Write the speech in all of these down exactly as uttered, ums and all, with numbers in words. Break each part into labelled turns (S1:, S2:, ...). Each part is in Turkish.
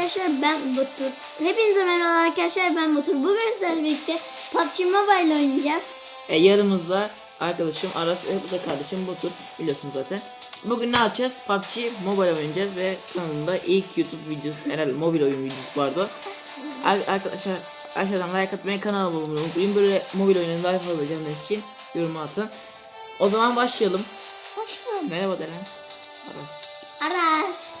S1: arkadaşlar, ben Batur. Hepinize merhaba arkadaşlar, ben Batur. Bugün sizlerle birlikte P U B G Mobile oynayacağız.
S2: E, yanımızda arkadaşım Aras ve bu da kardeşim Batur, biliyorsunuz zaten. Bugün ne yapacağız? P U B G Mobile oynayacağız ve kanalımda ilk YouTube videosu, herhalde mobil oyun videosu vardı. Ar arkadaşlar aşağıdan like atmayı, kanala abone olmayı unutmayın. Böyle mobil oyunun daha fazla gelmesi için yorum atın. O zaman başlayalım.
S1: Başlayalım.
S2: Merhaba Deren. Aras.
S1: Aras.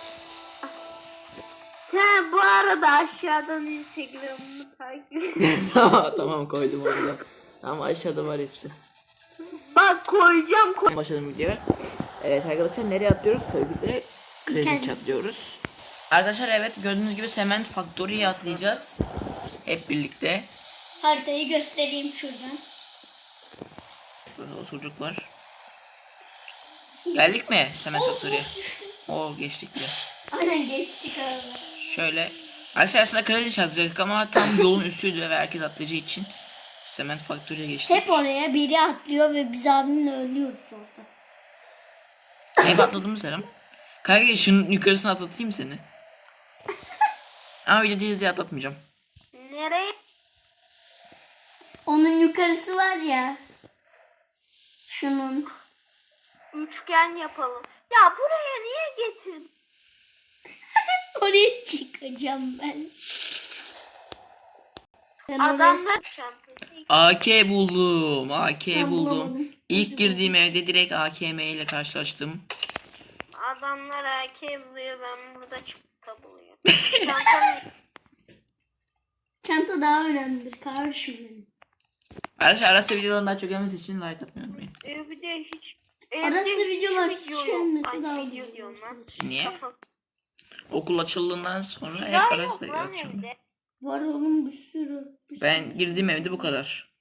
S3: Ha, bu arada aşağıdan Instagram'ımı takip et.
S2: tamam tamam koydum orada. Tamam, aşağıda var hepsi.
S3: Bak koyacağım koy.
S2: Başladım videoya. Evet arkadaşlar, nereye atlıyoruz? Tabii ki de Crazy Chat diyoruz. Arkadaşlar evet, gördüğünüz gibi Cement Factory'ye atlayacağız. Hep birlikte.
S1: Haritayı göstereyim şuradan.
S2: Burada o çocuk var. Geldik mi Cement Factory'ye? Oo, geçtik bile.
S1: Aynen, geçtik arada.
S2: Şöyle. Arkadaşlar aslında Crazy Chat atlayacaktık ama tam yolun üstüydü ve herkes atlayacağı için Cement Factory'ye geçtik.
S1: Hep oraya biri atlıyor ve biz abimle ölüyoruz orada.
S2: Hep atladığımız yerim. Kanka şunun yukarısına atlatayım seni. Ama video değil diye atlatmayacağım.
S3: Nereye?
S1: Onun yukarısı var ya. Şunun.
S3: Üçgen yapalım. Ya buraya niye getirdin?
S1: Oraya çıkacağım ben. Ben oraya-
S3: Adamlar
S2: A K buldum. A K
S1: Ben
S2: buldum.
S1: bulamadım.
S2: İlk girdiğim evde direkt A K M ile karşılaştım.
S3: adamlar A K buluyor, ben burada çıktı buluyor. Çantam
S1: Çanta daha önemlidir kardeşim benim.
S2: Arkadaşlar arası videoların daha çok gelmesi için like atmayı unutmayın.
S3: evde hiç
S1: Arası
S3: evde
S1: videolar
S3: hiç
S1: hiç
S3: video yok.
S1: gelmesi
S3: Ay,
S1: daha
S3: video
S1: güzel.
S3: diyorum lan.
S2: Niye?
S3: Kafa-
S2: Okul açıldığından sonra hep
S3: Ya
S2: arası
S3: yok lan
S2: atacağım.
S3: evde.
S1: Var oğlum, bir sürü. Bir sürü.
S2: Ben girdiğim evde bu kadar.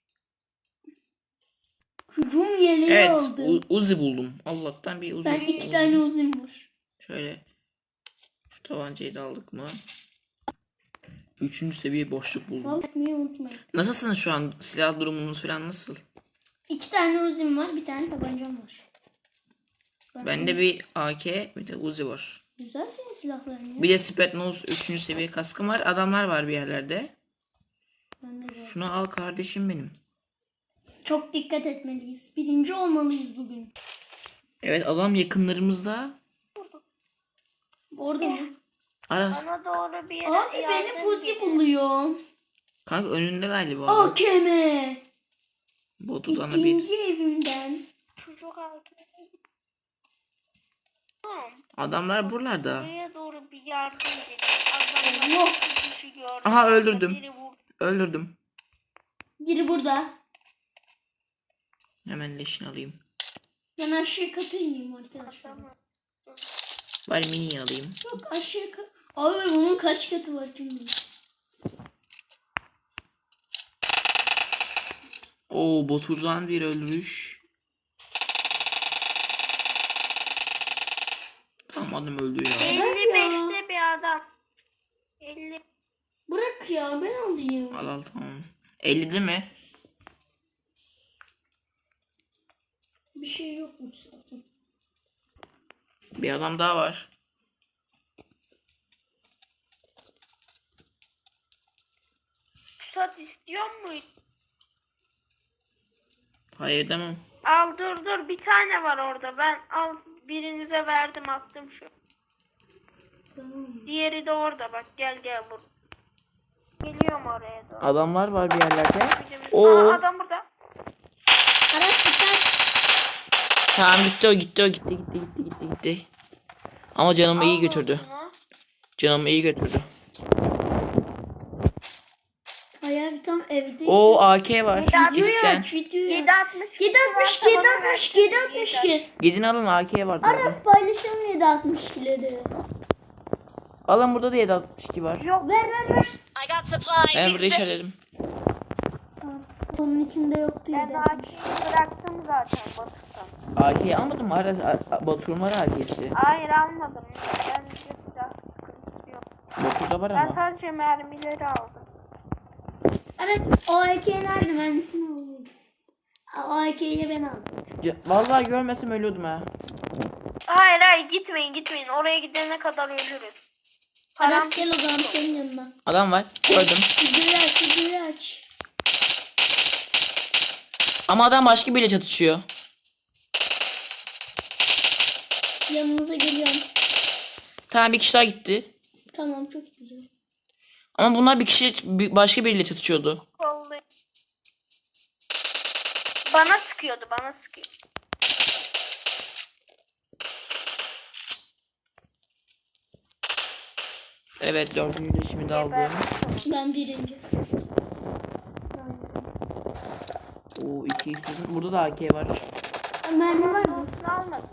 S1: Hücum yeleği
S2: Evet,
S1: aldım.
S2: U- Uzi buldum. Allah'tan bir Uzi.
S1: Ben iki
S2: Uzi.
S1: tane uzun var.
S2: Şöyle. Şu tabancayı da aldık mı? Üçüncü seviye boşluk buldum.
S1: Vallahi etmeyi unutmayın.
S2: Nasılsınız şu an? Silah durumunuz falan nasıl?
S1: İki tane uzun var, bir tane tabancam var. Ben
S2: Bende bir A K, bir de Uzi var.
S1: Güzel senin silahların ya.
S2: Bir de Spetnose üçüncü seviye kaskım var. Adamlar var bir yerlerde.
S1: Ben de var.
S2: Şunu al kardeşim benim.
S1: Çok dikkat etmeliyiz. Birinci olmalıyız bugün.
S2: Evet, adam yakınlarımızda.
S1: Orada mı?
S2: Aras.
S3: Bana doğru bir yere
S1: Abi beni
S3: yardım
S1: pusi
S3: edin.
S1: buluyor.
S2: Kanka önünde galiba.
S1: A K M.
S2: Botudan da bir.
S1: İkinci evimden.
S3: Çocuk altı. Tamam.
S2: Adamlar buralarda.
S3: Buraya doğru bir yardım edin. Adamlar
S1: Allah.
S3: iki kişi gördüm.
S2: Aha, öldürdüm.
S3: Biri vurdu.
S2: Öldürdüm.
S1: Biri burada.
S2: Hemen leşini alayım.
S1: Ben aşağı katı ineyim arkadaşlar.
S3: Tamam.
S2: Bari mini alayım.
S1: Yok, aşağı katı. Abi bunun kaç katı var kim bilir.
S2: Oo, Botur'dan bir öldürüş. Tamam, adam öldü ya.
S3: elli beşte bir adam. elli.
S1: Bırak ya, ben alayım.
S2: Al al, tamam. ellide mi?
S1: Bir şey yokmuş zaten.
S2: Bir adam daha var.
S3: Pusat istiyor mu?
S2: Hayır demem.
S3: Al dur dur, bir tane var orada. Ben al birinize verdim, attım şu.
S1: Tamam.
S3: Diğeri de orada, bak gel gel bur. Geliyorum oraya doğru.
S2: Adamlar var bir yerlerde.
S3: Oo.
S2: Oo.
S3: Aa, adam burada.
S1: Aras dikkat.
S2: Tamam, gitti o gitti o gitti gitti gitti gitti gitti. Ama canımı iyi
S3: Al
S2: götürdü.
S3: onu.
S2: Canımı iyi götürdü.
S1: Hayal tam evde.
S2: O A K var.
S1: Video
S2: İsteyen.
S1: aç, video aç.
S3: yedi altmış
S1: yedi altmış, yedi altmış, yedi altmış iki.
S2: Gidin alın, A K var.
S1: Aras
S2: burada.
S1: paylaşalım yedi altmış ikileri.
S2: Alın, burada da yedi altmış iki var.
S3: Yok.
S1: Ver ver ver.
S2: Ben burada işaretledim.
S1: Tamam. Onun içinde yoktu
S3: Ben
S1: yedi.
S3: Aki'yi bıraktım zaten Batı'dan.
S2: A K'yi almadın mı? Aras, A- Batur'un var A K'si.
S3: Hayır almadım. Ben de silah sıkıntısı yok.
S2: Batur'da var
S3: Ben
S2: ama.
S3: sadece mermileri aldım.
S1: Aras o A K nerede? Ben nesini alayım? O A K'yi ben aldım.
S2: C- Vallahi görmesem ölüyordum ha.
S3: Hayır hayır, gitmeyin gitmeyin. Oraya gidene kadar ölürüz.
S1: Aras gel o zaman senin yanına.
S2: Adam var. Gördüm.
S1: Videoyu aç, videoyu aç.
S2: Ama adam başka biriyle çatışıyor.
S1: Yanınıza geliyorum.
S2: Tamam, bir kişi daha gitti.
S1: Tamam, çok güzel.
S2: Ama bunlar bir kişi bir- başka biriyle çatışıyordu.
S3: Kollu. Bana sıkıyordu, bana sıkıyor.
S2: Evet, dördüncü de şimdi aldım.
S1: Ben birinci.
S2: Oo, iki istedim. Burada da A K var.
S1: Mermi var mı?
S3: Almadım.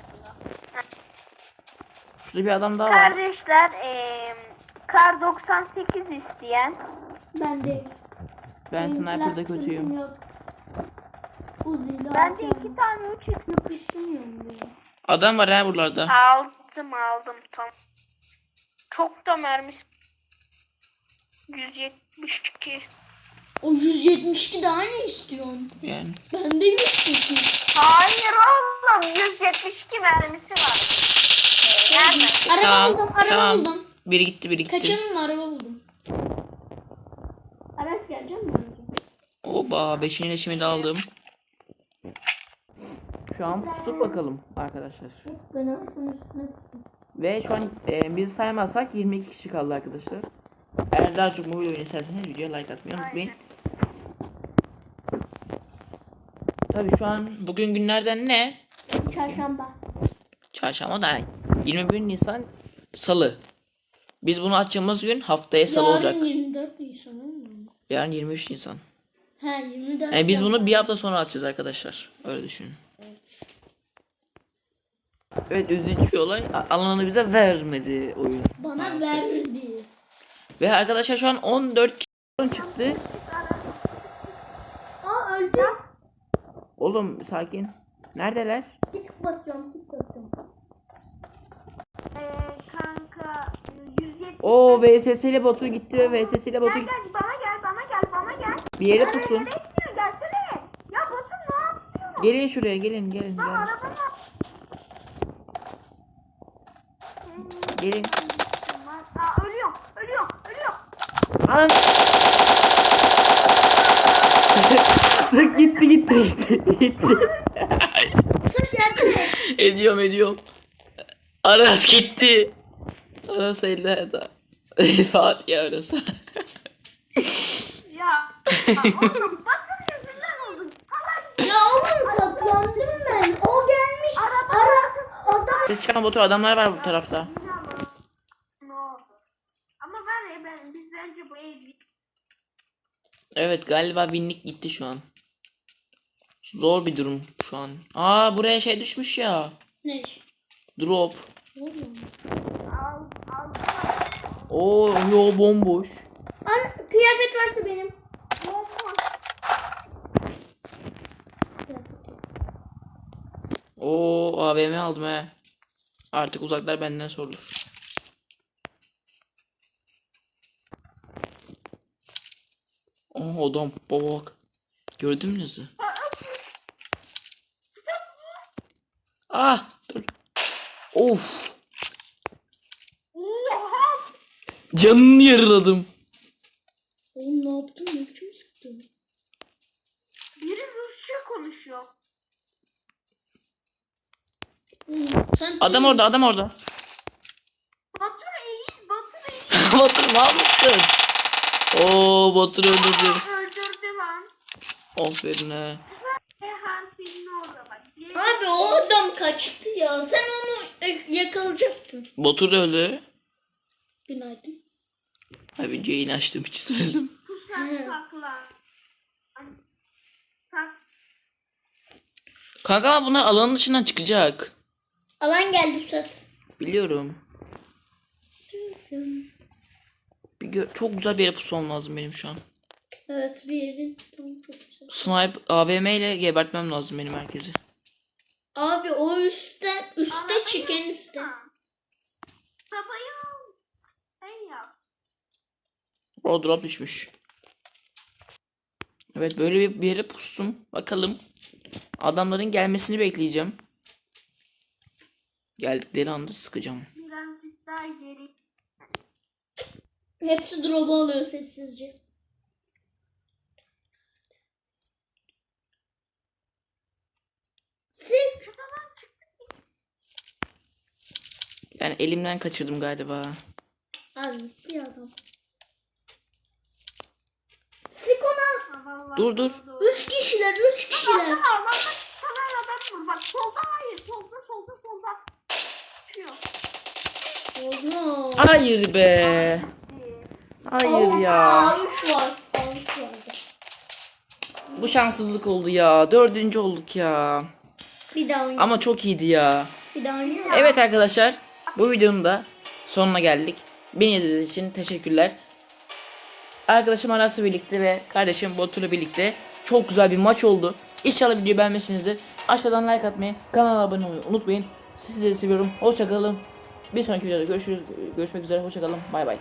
S2: Şurada bir adam daha var.
S3: Kardeşler, eee kar doksan sekiz isteyen.
S1: Ben de.
S2: Ben
S1: Benim
S2: sniper'da
S1: silah
S2: kötüyüm.
S1: sıkıntım yok. Uzi'yle
S3: Ben de
S1: alacağım.
S3: iki tane üç
S1: Yok istemiyorum bunu.
S2: Adam var ha buralarda.
S3: aldım aldım tam. Çok da mermisi. yüz yetmiş iki.
S1: O yüz yetmiş iki daha ne istiyorsun?
S2: Yani.
S1: Bende yüz sekiz.
S3: Hayır oğlum, yüz yetmiş iki mermisi var. Ee, Nerede?
S1: Araba
S2: Tamam,
S1: buldum, araba
S2: tamam.
S1: buldum.
S2: Biri gitti, biri gitti.
S1: Kaçalım mı? Araba buldum. Aras gelecek mi?
S2: Oba, beşinci leşimi de aldım. Şu an tutup bakalım arkadaşlar.
S1: Ben Aras'ın üstüne tuttum.
S2: Ve şu an e, bizi saymazsak yirmi iki kişi kaldı arkadaşlar. Eğer daha çok mobil oyun isterseniz videoya like atmayı unutmayın. Tabii şu an bugün günlerden ne?
S1: Çarşamba.
S2: Çarşamba da yirmi bir Nisan Salı. Biz bunu açtığımız gün haftaya Salı olacak.
S1: Yarın yirmi dört Nisan olmuyor mu?
S2: Yarın yirmi üç Nisan.
S1: He yirmi dört.
S2: Yani biz bunu bir hafta sonra açacağız arkadaşlar. Öyle düşünün. Evet, üzücü bir olay. A- Alanını bize vermedi oyun.
S1: Bana verdi.
S2: Ve arkadaşlar şu an on dört kişi çıktı.
S1: Aa öldü.
S2: Oğlum sakin. Neredeler?
S1: Git basıyorum, git basıyorum.
S3: Ee, kanka yüz yetmiş.
S2: O V S S ile botu gitti ve V S S ile botu
S3: Gel
S2: gitti.
S3: gel, bana gel, bana gel, bana gel.
S2: Bir yere
S3: Nereye,
S2: pusun.
S3: nereye gidiyor? Gelsene. Ya Batu ne yapıyorsun?
S2: Gelin şuraya, gelin gelin
S3: Lan
S2: gelin.
S3: arabama.
S2: Gelin.
S3: Aa, ölüyorum, ölüyorum, ölüyorum.
S2: Alın. Sık gitti gitti gitti gitti.
S1: Sırf yardım et.
S2: ediyorum ediyorum. Aras gitti. Aras ellerde. Fatih Aras.
S3: Ya, oğlum Batu'nun yüzünden oldu. Salak.
S1: Ya oğlum saklandım ben. O gelmiş.
S3: Araba.
S1: Ara adam.
S2: Ses çıkan botu adamlar var bu tarafta.
S3: Ne oldu? Ama var ya, ben, biz bence bu ev
S2: Evet, galiba binlik gitti şu an. Zor bir durum şu an. Aa, buraya şey düşmüş ya.
S1: Ne?
S2: Drop.
S1: Oğlum.
S3: al, al.
S2: Oo, yo bomboş.
S1: Ar kıyafet varsa benim.
S3: Bomboş.
S2: Oo, A V M aldım he. Artık uzaklar benden sorulur. Oh adam, baba bak. Gördün mü nasıl? Ah, dur. Of. Canını yarıladım.
S1: Oğlum ne yaptın? Ne biçim sıktın?
S3: Biri Rusça konuşuyor.
S1: Oğlum, sen
S2: Adam orada, adam orada.
S3: Batu iyi, Batu iyi.
S2: Batur mal mısın? Oo, Batur öldürdü.
S3: Öldürdü lan.
S2: Aferin he.
S3: Ehan filmi orada bak. Diye-
S1: Abi o adam kaçtı ya. Sen onu e, yakalayacaktın.
S2: Batur da öldü.
S1: Günaydın.
S2: Abi yayın açtığım için söyledim.
S3: Kusak saklan. Sak.
S2: Kanka ama bunlar alanın dışından çıkacak.
S1: Alan geldi Pusat.
S2: Biliyorum. Bir gö- çok güzel bir yere pusmam lazım benim şu an.
S1: Evet bir evin tam çok güzel.
S2: Snipe A V M ile gebertmem lazım benim herkesi.
S1: Abi o üstten üste
S3: Arabayı
S1: çık en üste.
S3: Babayı al. Sen yap.
S2: O drop düşmüş. Evet, böyle bir, bir yere pustum. Bakalım. Adamların gelmesini bekleyeceğim. Geldikleri anda sıkacağım.
S3: Birazcık daha geri.
S1: Hepsi drop'u alıyor sessizce. Sık.
S2: Yani elimden kaçırdım galiba.
S1: Abi gitti adam. Sık ona.
S3: Vallahi
S2: Dur, dur.
S1: Üç kişiler, üç kişiler.
S3: Aa, bak bak sana adam vur. Bak solda hayır. Solda solda solda. Çıkıyor.
S1: Bozma.
S2: Hayır be. Hayır ya.
S1: Üç var. Üç vardı.
S2: Bu şanssızlık oldu ya. Dördüncü olduk ya.
S1: Bir daha oynayalım.
S2: Ama çok iyiydi ya.
S1: Bir daha oynayalım.
S2: Evet arkadaşlar. Bu videonun da sonuna geldik. Beni izlediğiniz için teşekkürler. Arkadaşım Aras'la birlikte ve kardeşim Batur'la birlikte çok güzel bir maç oldu. İnşallah videoyu beğenmişsinizdir. Aşağıdan like atmayı, kanala abone olmayı unutmayın. Sizleri seviyorum. Hoşçakalın. Bir sonraki videoda görüşürüz. Görüşmek üzere. Hoşçakalın. Bay bay.